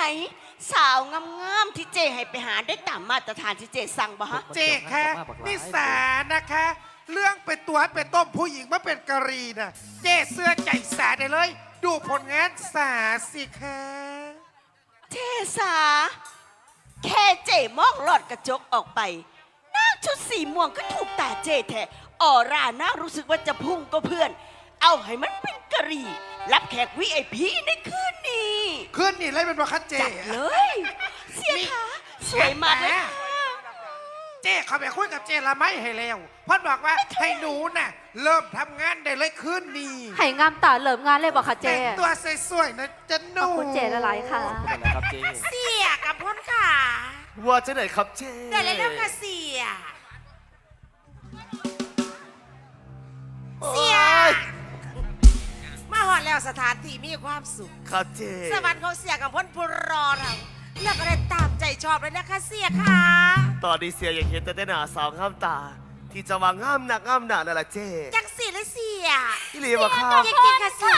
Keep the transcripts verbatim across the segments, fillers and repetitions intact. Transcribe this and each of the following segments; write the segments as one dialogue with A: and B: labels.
A: สาวงามๆที่เจให้ไปหาได้ตามมาตรฐานที่เจสั่งบ่ฮะ
B: เจคะนิสานะคะ เรื่องเป็นตัวเป็นต้มผู้หญิงมาเป็นกะรีน่ะเจเสื้อใจสาได้เลย ดูผลงานสาสิคะ
A: เจสาแค่เจมองหลอดกระจกออกไปนางชุดสีม่วงก็ถูกตาเจแท้ออร่าน่ารู้สึกว่าจะพุ่งก็เพื่อน เอาให้มันเป็นกะรีรับแขก วี ไอ พี ในคืนนี้
B: ขึ้นนี่เลยเป็นบอคัดเจ
A: จัดเลย เสียค่ะสวยมากเลยค่ะ
B: เจเขาไปคุยกับเจละไม่ให้แล้วเพ่อบอกว่าให้หนูน่ะเริ่มทำงานได้เลยขึ้นนี่
C: ให้งามตาเหลิมงานเลยบอกค่ะเจ
B: แต่งตัวสวยๆนะจะห
C: ข
B: นู
C: อบคุณเจละหลายค่ะ
D: ขอบคุณนะครับเจ๊
E: เสียกับพ้นค่ะ
D: ว่าจะไหนครับเจ๊
E: เดี๋ยวเลยเริ่มค่ะเสีย เสีย มาหอดแล้วสถานที่มีความสุข
D: ครับเจ๊
E: สวรรค์ของเสียกับพ้นผู้รอเราเลือกอะไรตามใจชอบเลยนะคะเสียค่ะ
D: ตอนนี้เสียอยากเห็นแต่หน้าสาวงามตา ที่จะวางงามหนักงามหนานั่นแหละเจ๊
E: จังสีเลยเสีย
D: ที่เรียกว่าข้า
E: จริงๆค่ะเสีย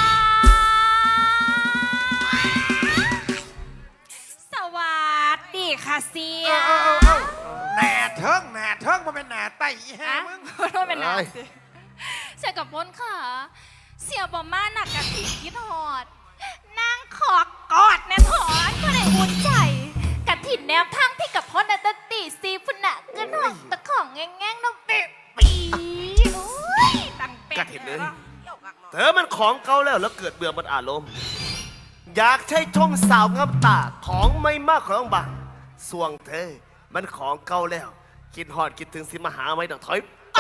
F: สวัสดีค่ะเสีย
B: เอาเอาเอาหนาเทิงหนาเทิงมาเป็นหนาไตอีห่า
F: ฮะ
B: มึง
F: โทษเป็นนางสิเสียกับพ้นค่ะ เสียบอมาหนักกะทิคิดหอดนางขอกอดแน่ถอนก็ได้อุ่นใจกะถิ่นแนวทางพี่กับพ้นนัตติซีพุนะเกินหอมตะของแง่งๆน้องเป๊ะปีโอ้ยตังเป็ด
D: กระถิ่นเลยเธอมันของเก่าแล้วแล้วเกิดเบื่อมันอารมณ์อยากใช้ชมสาวงามตาของไม่มากของบางสวงเธอมันของเก่าแล้ว คิดหอดคิดถึงสิมาหาไม่ต้องถอยไป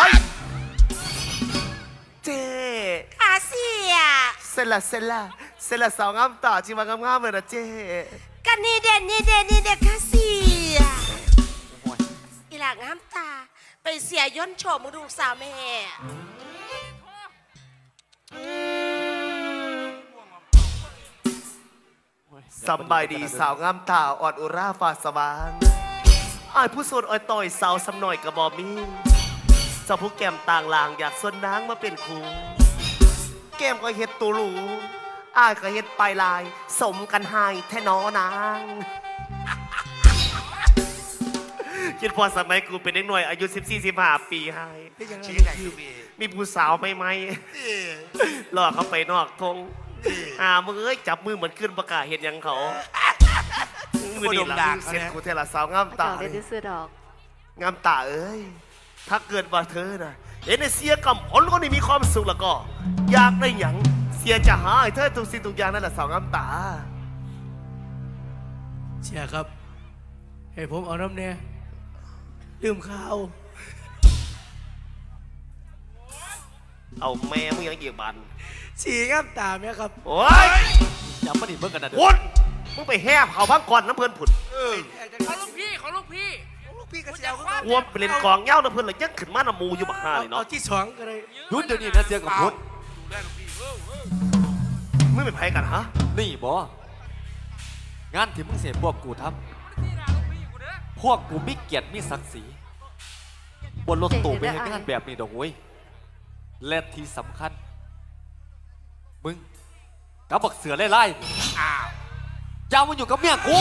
D: เจ๊
E: ค่ะเสีย
D: เสร็จละเสร็จละเสร็จละสาวงามตาจิมางามๆเลยนะเจ๊
E: กันนี่เด่นนี่เด่นนี่เด่นค่ะเสียอีหลางามตา ไปเสียย่นโฉมมึงดูสาวแม่
D: สบายดีสาวงามตาอ่อนอุราฟ้าสว่างอายผู้โสดอ่อยต่อยสาวสำหน่อยกระบอมีเจ้าผู้แก้มต่างลางอยากส่วนนางมาเป็นครูแก้มก็เฮ็ดตูหรูอายก็เฮ็ดปลายลาย สมกันให้แท่นอนางคิดพอสมัยกูเป็นเด็กหน่อยอายุสิบสี่ สิบห้าปีให้มีผู้สาวไหมไหมหลอกเขาไปนอกทงอ่ามึงเอ้ยจับมือเหมือนขึ้นประกาศเห็นยังเขามือดีหลังเสร็จกูเทละสาวงาม
C: ต่า
D: ตา
C: ได้ดื้อซื้อดอก
D: งามตาเอ้ยถ้าเกิดว่าเธอน่ะเห็นไอ้เสียกำผลคนนี้มีความสุขแล้วก็ อยากได้หยังเสียจะหาให้เธอทุกสิ่งทุกอย่างนั่นแหละสาวงามตา
G: เชียครับให้ผมเอาน้ำเนี่ยลืมข้าว
D: เอาแม่มึงยังเกี่ยวบัน
G: ฉี่ข้ามตาไหมครับ
D: โอ้ยอย่ามาดิเบิ่งกันนะเด้อวนมึงไปแหบเขาพังก่อนน้ำเพื่อนผุด
G: ขอลูกพี่ขอลูกพี่ลูกพี่กระเจียว
D: กวมไปเล่นกองเหย้าน้ำเพื่อนเลยยังขึ้นมาน้ำมูอยู่บักฮาเลย
G: เอา
D: เนาะ
G: ที่สองก็ได้
H: ยุดเดี๋ยวนี้นะเสียกับพุทธ
D: มึงเป็นไผกันฮะ
H: นี่บองานที่มึงเสียพวกกูทำพวกกูมีเกียรติมีศักดิ์ศรีบนรถตู้ไปให้งานแบบนี้ดอกเว้ยและที่สำคัญ มึงกับบักเสือไล่ๆอ้าวอย่ามาอยู่กับเมียกู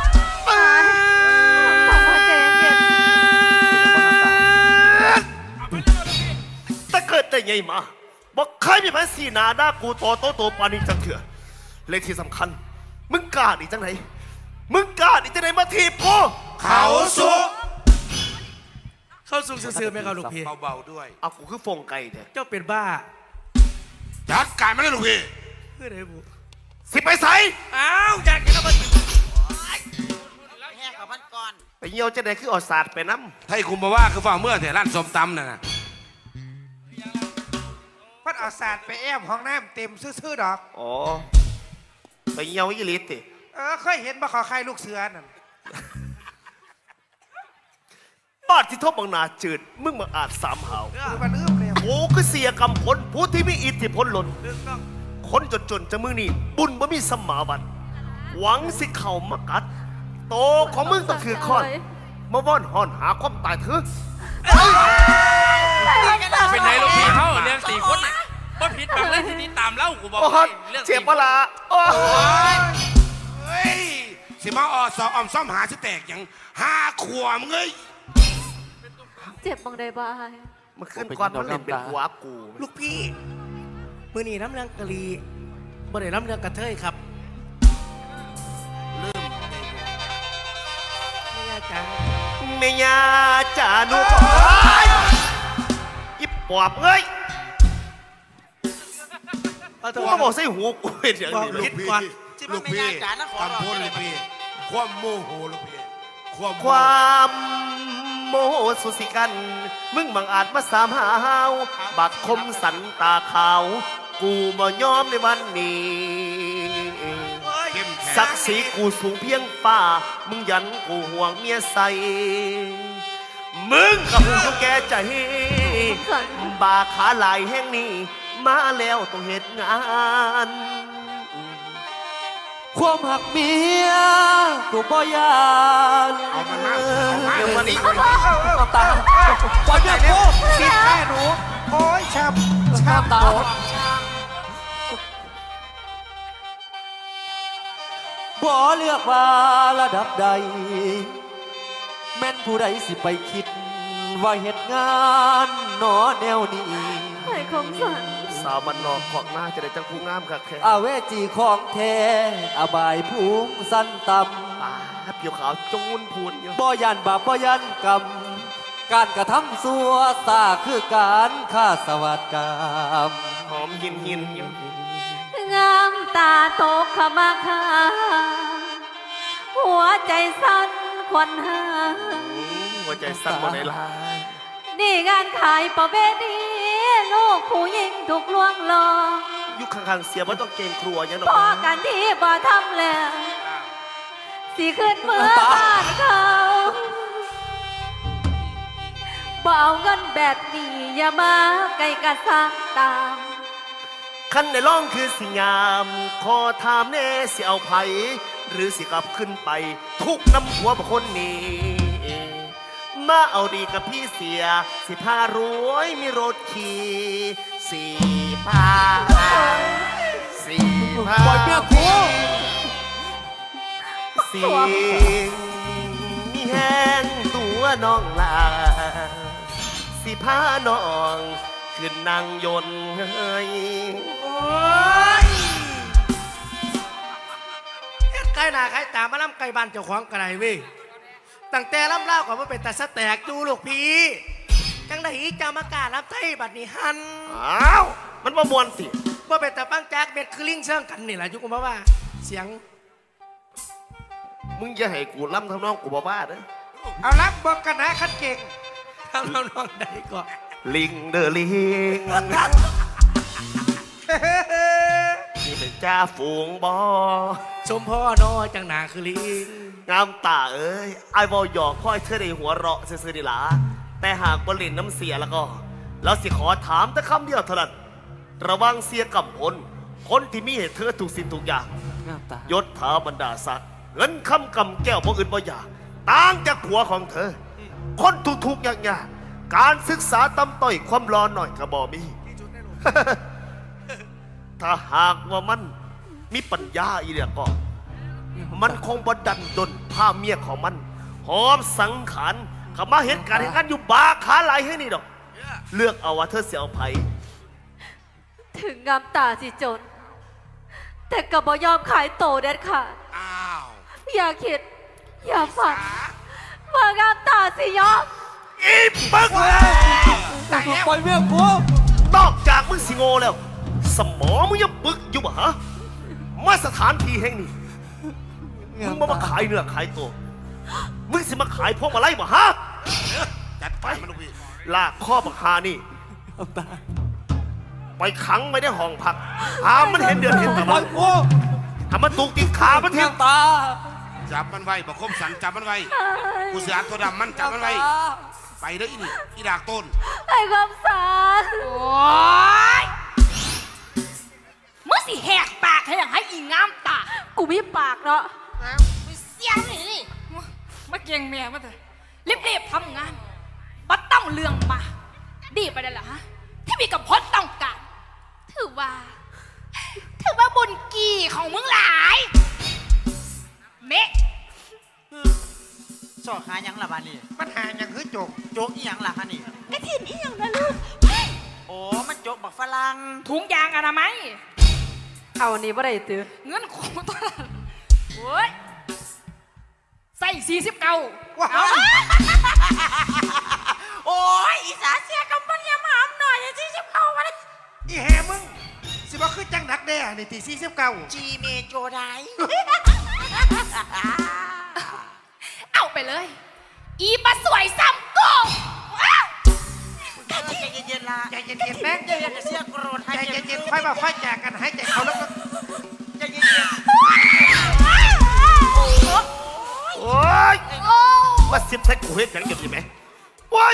C: ขอบคุณเจเย็น
D: แต่เกิดแต่ไงมาบอกใครมีแผนสีหนาหน้ากูโตโตโตปานีจังเถื่อเลยที่สำคัญ มึงกล้าดีจังไหนมึงกล้าดีจังไหนมาทีบกู
B: เขาสุก
G: เข้าสูงซื่อๆไหมครับลูกพี่
B: เบาๆด้วย
D: เอากูคือฟงไก่เนี่ย
G: เจ้าเป็นบ้า
B: จัดการมาเลยลูกพี่
G: เพื่ออะไรบุ
D: สิไปใส่
G: อ้าวอยากกินแล้วมัน
E: แห่กับพันก่อน
D: ไปเยี่ยวจะไหนคือเอดศาสตร์ไปน้
I: ให้คุมมาว่าคือฝ่าเมื่อแต่ร้านส้มตำน่ะนะ
B: พัดเอาศาสตร์ไปแอมห้องน้ำเต็มซื่อๆดอก
D: ำอ๋อไปเยี่ยวอีลิตติ
B: เออเคยเห็นบ่ขอใครลูกเสือนั่น
D: บาดที่ทบบังนาจืดมึงมาอาจสามหาว
B: คือมันเอื้อมเลย
D: โอ้คือเสียกำผลผู้ที่มีอิทธิพลหล่นคนจนๆจะมือนี่บุญบ่มีสมมาบัติหวังสิเข่ามากัด โตของมึงต้องถือคอนมาว่อนห่อนหาความตายเถอะ
G: เป็นไงลูกพี่เขาเรื่องสี่คนน่ะบ่ผิดบังเลยที่นี่ตามเล่ากูบอก
D: โอ้
G: ให้
D: ย
G: เรื่อง
D: เจ็บปะละโอ้ย
B: เฮ้ย
I: สิมาออสอออมซ่อมหาสิแตกอย่างห้าขวบเงย
C: เจ็บบังได้บ้าย
D: มันขึ้นก่อนมันเล่นเป็นหัวกู
G: ลูกพี่มือนี่น้ำเรื่องกะลีบ่ได้น้ำเรื่องกระเทยครับลืมไม่ยาจ้า
D: เมียจ่าหนูก็ยิบปอบเอ้ย
G: เอาเถ
D: กู
G: อะ
D: มาบอกใส่หูกูเป็นอย่างนี้
G: คิดก่อน
I: ลูกพี่คำพูดลูกพี่ความโมโหลูกพี่ความ
D: ความโมโหสุสิกัน มึงบังอาจมาสามหาวบักคมสันตาขาว กูบ่ยอมในวันนี้
I: เข้มแข็ง
D: ศักดิ์ศรีกูสูงเพียงฟ้า มึงยันกูห่วงเมียใส มึงกับมึงต้องแก่ใจ บาขาหลายแห่งนี้ มาแล้วต้องเหตุงาน
H: ความหักเมียกูบ่ยาน
I: เอามันมาเอามา
D: เดี๋ยววันนี้
H: น้ำตาปล่อยเมียกู
B: สิแม่หนูโอ้ยช้ำช้ำ
H: น้ำตาบ่เลือกว่าระดับใด แม่นผู้ใดสิไปคิด ว่าเหตุงานหนอแนวนี้
C: ไอ้คมสัน
D: สาวมันนอกของหน้าจะได้จังผู้งามค่ะแค่
H: อาเวจีของแท้อบายภูมิสั้นต่
D: ป้าเปียวขาวจูนพูนอยู่
H: ำบ่ยันบาปบ่ยันกรรม การกระทำสัวซาคือการฆ่าสวัสดกรรม
D: หอมหินหินอยู่
C: งามตาตกขมาคาหัวใจสั่นควันหา
D: อืมหัวใจสั่นบนในลาย
C: นี่งานขายประเวณีลูกผู้หญิงถูกลวงหลอก
D: ยุคข้างๆเสียว่าต้องเกรงครัวยังหนอ
C: พอกันที่บ่ทำแล้วสิขึ้นเมื่อบ้านเขาบ่เอาเงินแบบนี้อย่ามาไกลกระซังตาม
D: ขั้นในร่องคือสิงาม ขอถามแน่สิเอาไผหรือสิกลับขึ้นไป ทุกน้ำหัวบุคคลนี้ มาเอาดีกับพี่เสีย สิพารวยมีรถขี่สี่พาสี่พา
H: ปล่อยเมียกู
D: สิ่งมีแห้งตัวน้องลา สิพาน้องขึ้นนั่งยนต์เฮ้ย
G: โอ้ยเฮ็ดไก่หน้าไก่ตามาล่ำไก่บ้านเจ้าของกระไรเว้ยตั้งแต่ล่ำเล่าก่อนว่าเป็นตาสแตกดูลูกพี่จังไดอีจะมากล้ารับไทยบัดนี้หัน
D: อ้าว มันประมวลสิ
G: ว่าเป็นตาปังจากเม็ดคือลิงเชื่องกันนี่แหละยุคผมว่าเสียง
D: มึงอย่าให้กูล้ำทำน้องกูบ้าๆเด้อ
B: เอารับบอกกันนะคัดเก่ง
G: ทำน้องๆใดก่อน
D: ลิงเด้อลิง นี่เป็นจ้าฝูงบอ
G: สมพ่อนอจังหนาคือลิง
D: งามตาเอ้ยไอ้บอหยอกค่อยเธอได้หัวเราะซื่อๆดีหลาแต่หากบรินน้ำเสียแล้วก็แล้วสิขอถามแต่คำเดียวเท่านั้นระวังเสียกับผลคนที่มีเหตุเธอถูกสิ่งทุกอย่าง
H: น้ำตา
D: ยศถาบรรดาศักดิ์เงินคำกำแก้วบ่อื่นบ่อยากต่างจากผัวของเธอ คนทุกๆอย่างยากการศึกษาตำต้อยความร้อนหน่อยกระบอมี ถ้าหากว่ามันมีปัญญาอีเดียก็ มันคงบดันดนผ้าเมียของมัน หอมสังขารเขามาเห็นการเห็นกันอยู่บาขาไหลให้นี่ดอก เลือกเอาว่าเธอเสียเอาไผ
C: ถึงงามตาสิจน แต่ก็บ่ยอมขายโตเด็ดขาด
I: อ้าว
C: อย่าคิด อย่าฝันว่างามตาสิยอม
D: อีปักเลย
H: ปล่อยเมียกู
D: นอกจากมึงสิโง่แล้ว สมองมึงยังปึกอยู่บ่ฮะมาสถานที่แห่งนี้ มึงมามาขายเนื้อขายตัว มึงสิมาขายพวกมาไล่บ่ฮะ
I: จัดไปมันลูกพี่
D: ลากข้อบักฮานี่
H: น้ำตา
D: ไปขังไว้ในห้องพักหามมันเห็นเดือนเห็นตะ
H: ปล่
D: วั
H: อน ยกู
D: ถ้ามันตุกติดขามันเทียง
H: น้ำตา
I: จับมันไว้บอกคมสันจับมันไว้กูเสือตัวดำมันจับมันไว้ไปเด้ออีนี่อีดากต้น
C: ไอ้ความสาร
F: โอ๊ยมึงสิแหกปากให้อย่างให้อีงามตา
C: กูมีปากเนาะ
F: ไปเสียงนี่นี่มาเกียงแม่มาเถอะรีบๆทำงานบัดต้องเรื่องมา ดีไปได้เหรอฮะ ที่มีกับพจน์ต้องการถือว่า ถือว่าบุญกี่ของมึงหลาย เมะ
J: สอกหาหยังล่ะบ้านนี้
B: มันหาอย่างคือจก
J: โจกอีหยังล่ะฮะนี่
A: กระถินอีหยังนะลูก
J: โอ้มันโจกบักฝรั่ง
F: ถุงยางอนามัย
C: เอาอันนี้บ่ได้ตื้อ
F: เงินของตัวละโอ้ยใส่สี่สิบเก้า
B: ว้า
F: เอา
E: โอ้ยอีสาเสียกับมันยำหามหน่อยที่จะเข้ามาเลย
B: อีแฮมึงสิบ่คือจังดักแด้นี่ตีสี่สิบเก้า
E: จีเมโจได
F: เอาไปเลย อีปลาสวยซ้ำโกง
J: ใจเย็นๆล่ะ
B: ใจเย็นๆแม่ง
J: เดี๋ยวจะเสียโกรธให้
B: ใจเย็นๆค่อยมาค่อยแจกกันให้ใจเขาแล้วก็
J: ใจเย็น
D: โอ้ยมาสิบใส่กูเฮ็ดหยังอยู่ดีไหมโอ้ย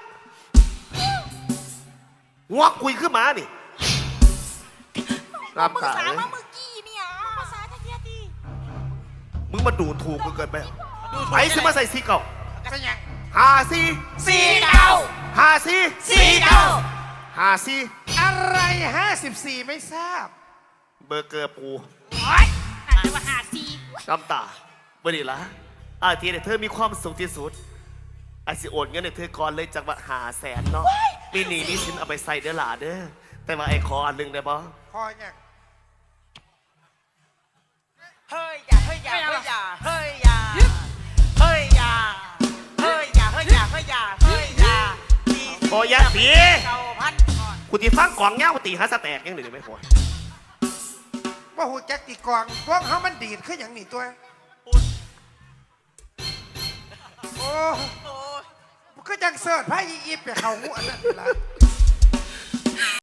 D: งอกคุยขึ้นมานี่น้ำตาเลย
E: เมื่อกี้เนี่ยภาษาตะเกียดี
D: มึงมาดูถูกกูเกินไปไปสิมาใส่สีเก่า
B: เป็นหยัง
D: หาสี
E: สี่เก้า
D: หาสี
E: สี่เก้า
D: หาสี
B: อะไรห้าสิบสี่ไม่ทราบ
D: เบอร์เกอร์ปู
F: โอ้ยอาจจะว่าหาซี
D: น้ำตาบ่ดีละอาทีเนี่ยเธอมีความสุขที่สุดอาสิโอนเงินให้เธอก่อนเลยจากว่าหาแสนเนาะปีนี้มีสินเอาไปใส่เด้อหล่าเด้อแต่ว่าไอ้ขออันหนึงได้บ่
B: คอหยัง
J: ๆเฮ้ยอย่าเฮ้ยอย่าเฮ้ยอย่าเฮ้ยอย่าเฮ้ยอย่าเฮ้ยอย่าเฮ้ยอย่าเฮ้ยอย่าเฮ้ยอย่า
D: โอ้ยาตี
J: เก้าพันก่อน
D: กูตีฟังกล่องเงากูตีหาสแต็กยังหนึ่งไม่พอ
B: ว่าหูจักตีกลองพวกเขามันดีดขึ้นอย่างนี้ตัวโอ้
J: โอ้ย
B: ก็จังเสิร์ชไพ่อีฟไปเขาหัวนั่นล่ะ